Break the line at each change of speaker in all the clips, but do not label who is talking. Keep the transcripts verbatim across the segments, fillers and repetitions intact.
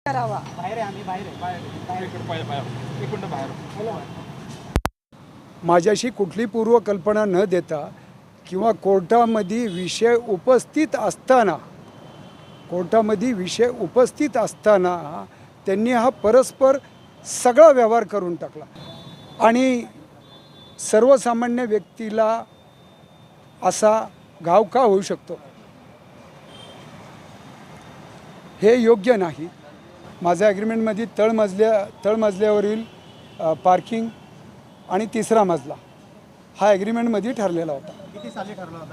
करावा।
बाहेर आहे, आम्ही बाहेर आहे, बाहेर आहे, बाहेर इकडे बाहेर बाहेर इकडून बाहेर.
माझ्याशी कुठली पूर्वकल्पना न देता किंवा कोर्टामध्ये विषय उपस्थित असताना कोर्टामध्ये विषय उपस्थित असताना त्यांनी हा परस्पर सगळा व्यवहार करून टाकला आणि सर्वसामान्य व्यक्तीला असा घाव का होऊ शकतो हे योग्य नाही. माझ्या ॲग्रीमेंटमध्ये तळमजल्या तळमजल्यावरील पार्किंग आणि तिसरा मजला हा ॲग्रीमेंटमध्ये ठरलेला होता.
किती साली ठरला होता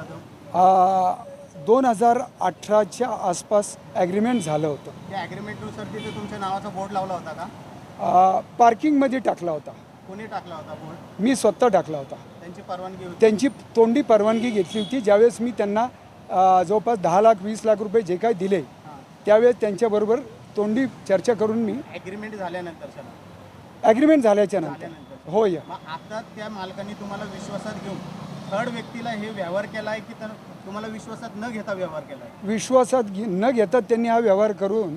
तो?
दोन हजार अठराच्या आसपास ॲग्रीमेंट झालं होतं.
त्या ॲग्रीमेंटनुसार तिथे तुमच्या नावाचा बोर्ड लावला होता का?
पार्किंगमध्ये टाकला होता.
कोणी टाकला होता बोर्ड?
मी स्वतः टाकला होता.
त्यांची परवानगी होती? त्यांची
तोंडी परवानगी घेतली होती. ज्यावेळेस मी त्यांना जवळपास दहा लाख वीस लाख रुपये जे काही दिले त्यावेळेस त्यांच्याबरोबर तोंडी चर्चा करून मी
ॲग्रीमेंट झाल्यानंतर सर
ॲग्रीमेंट झाल्याच्या नंतर होय.
आता त्या मालकांनी तुम्हाला विश्वासात घेऊन थर्ड व्यक्तीला हे व्यवहार केला आहे की तर तुम्हाला विश्वासात न घेता व्यवहार केला आहे?
विश्वासात घे न घेता त्यांनी हा व्यवहार करून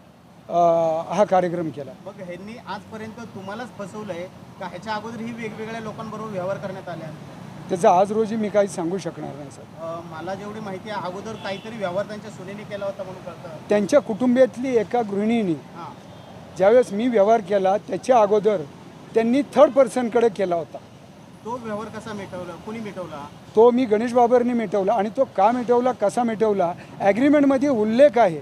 हा कार्यक्रम केला.
मग ह्यांनी आजपर्यंत तुम्हालाच फसवलं आहे का ह्याच्या अगोदर ही वेगवेगळ्या लोकांबरोबर व्यवहार करण्यात आल्या?
त्याचं आज रोजी मी काही सांगू शकणार नाही सर.
मला जेवढी माहिती आहे अगोदर काहीतरी व्यवहार त्यांच्या सुनेने केला होता म्हणून कळतं.
त्यांच्या कुटुंबियातली एका गृहिणीने ज्यावेळेस मी व्यवहार केला त्याच्या अगोदर त्यांनी थर्ड पर्सनकडे केला होता.
तो व्यवहार कसा मिटवला? कुणी मिटवला?
तो मी गणेश बाबरनी मिटवला. आणि तो का मिटवला कसा मिटवला ॲग्रीमेंटमध्ये उल्लेख आहे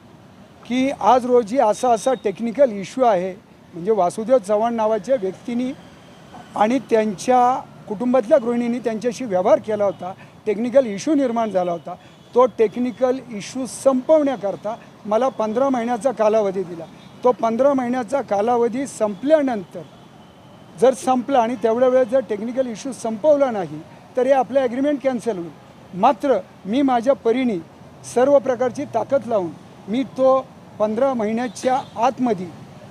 की आज रोजी असा असा टेक्निकल इश्यू आहे. म्हणजे वासुदेव चव्हाण नावाच्या व्यक्तींनी आणि त्यांच्या कुटुंबातल्या गृहिणींनी त्यांच्याशी व्यवहार केला होता. टेक्निकल इश्यू निर्माण झाला होता. तो टेक्निकल इश्यू संपवण्याकरता मला पंधरा महिन्याचा कालावधी दिला. तो पंधरा महिन्याचा कालावधी संपल्यानंतर जर संपला आणि तेवढ्या वेळेस जर टेक्निकल इश्यू संपवला नाही तर हे आपलं ॲग्रीमेंट कॅन्सल होईल. मात्र मी माझ्या परीने सर्व प्रकारची ताकद लावून मी तो पंधरा महिन्याच्या आतमध्ये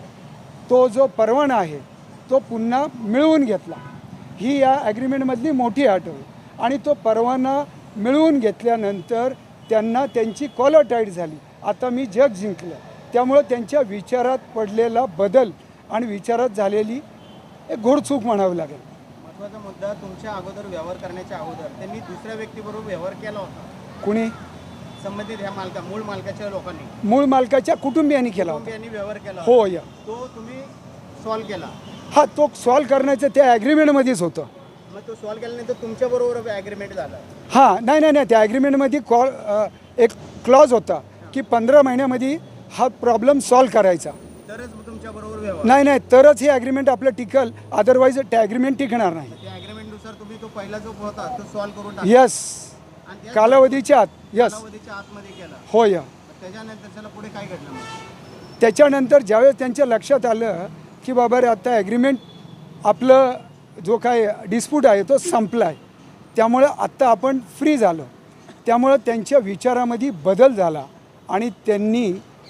तो जो परवाना आहे तो पुन्हा मिळवून घेतला. ही या ॲग्रीमेंटमधली मोठी अट होईल. आणि तो परवाना मिळवून घेतल्यानंतर त्यांना त्यांची कॉलर टाईट झाली. आता मी जग जिंकलं. त्यामुळं त्यांच्या विचारात पडलेला बदल आणि विचारात झालेली एक घोडचूक म्हणावी लागेल.
महत्त्वाचा मुद्दा, तुमच्या अगोदर व्यवहार करण्याच्या अगोदर त्यांनी दुसऱ्या व्यक्तीबरोबर व्यवहार केला होता.
कुणी?
संबंधित ह्या मालका मूळ मालकाच्या लोकांनी
मूळ मालकाच्या कुटुंबियांनी केला होता.
कुटुंबियांनी व्यवहार केला
हो या
तो तुम्ही सॉल्व्ह केला?
हा, तो सॉल्व्ह करण्याचं त्या ॲग्रीमेंटमध्येच होतं.
मग तो सॉल्व्ह केल्यानंतर तुमच्याबरोबर ॲग्रीमेंट झाला?
हां, नाही नाही नाही त्या ॲग्रीमेंटमध्ये कॉल एक क्लॉज होता की पंधरा महिन्यामध्ये हा प्रॉब्लेम सॉल्व्ह करायचा.
तरच तुमच्याबरोबर व्यवहार?
नाही नाही तरच हे ॲग्रीमेंट आपलं टिकल. अदरवाईज त्या ॲग्रीमेंट टिकणार नाही.
त्या ॲग्रीमेंटनुसार तुम्ही तो पहिला जो होता तो सॉल्व्ह करून टाकला?
यस, कालावधीच्या आत. यस,
कालावधीच्या आतमध्ये केला.
हो या.
त्याच्यानंतर त्याला पुढे काय घडलं मग?
त्याच्यानंतर ज्यावेळेस त्यांच्या लक्षात आलं की बाबा रे आता ॲग्रीमेंट आपलं जो काय डिस्प्यूट आहे तो संपला आहे, त्यामुळं आत्ता आपण फ्री झालो. त्यामुळं त्यांच्या विचारामध्ये बदल झाला आणि त्यांनी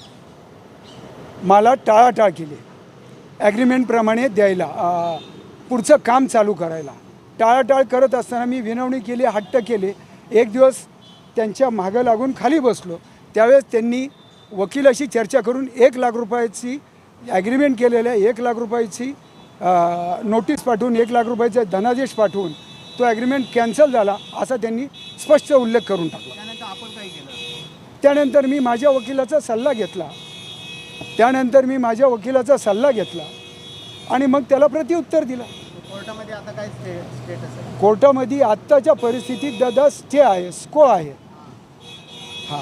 मला टाळाटाळ केली ॲग्रीमेंटप्रमाणे द्यायला, पुढचं काम चालू करायला. टाळाटाळ करत असताना मी विनवणी केली, हट्ट केले. एक दिवस त्यांच्या मागं लागून खाली बसलो. त्यावेळेस त्यांनी वकिलाशी चर्चा करून एक लाख रुपयाची ॲग्रीमेंट केलेलं आहे, एक लाख रुपयाची नोटीस पाठवून एक लाख रुपयाचा धनादेश पाठवून तो ॲग्रीमेंट कॅन्सल झाला असा त्यांनी स्पष्ट उल्लेख करून टाकला.
त्यानंतर आपण काय केलं?
त्यानंतर मी माझ्या वकिलाचा सल्ला घेतला त्यानंतर मी माझ्या वकिलाचा सल्ला घेतला आणि मग त्याला प्रत्युत्तर दिला.
कोर्टामध्ये आता काय स्टेटस आहे?
कोर्टामध्ये आत्ताच्या परिस्थितीत दादा स्टे आहे, स्को आहे. हां,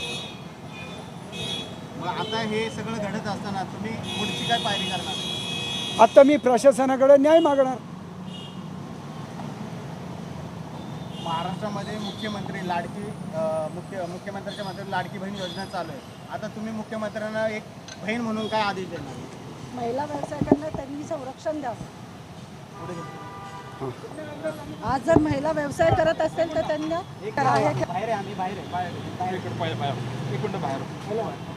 मग आता हे सगळं घडत असताना तुम्ही पुढची काय पायरी करणार?
आता मी प्रशासनाकडे न्याय मागणार.
महाराष्ट्रामध्ये मुख्यमंत्री लाडकी मुख्य मुख्यमंत्र्यांच्या माध्यमातून लाडकी बहीण योजना चालू आहे. आता तुम्ही मुख्यमंत्र्यांना एक बहीण म्हणून काय आदेश देणार?
महिला व्यावसायिकांना त्यांनी संरक्षण द्यावं. आज जर महिला व्यवसाय करत असेल तर त्यांना
बाहेर आहे, आम्ही बाहेर आहे, बाहेर इकडे बाहेर इकडून बाहेर.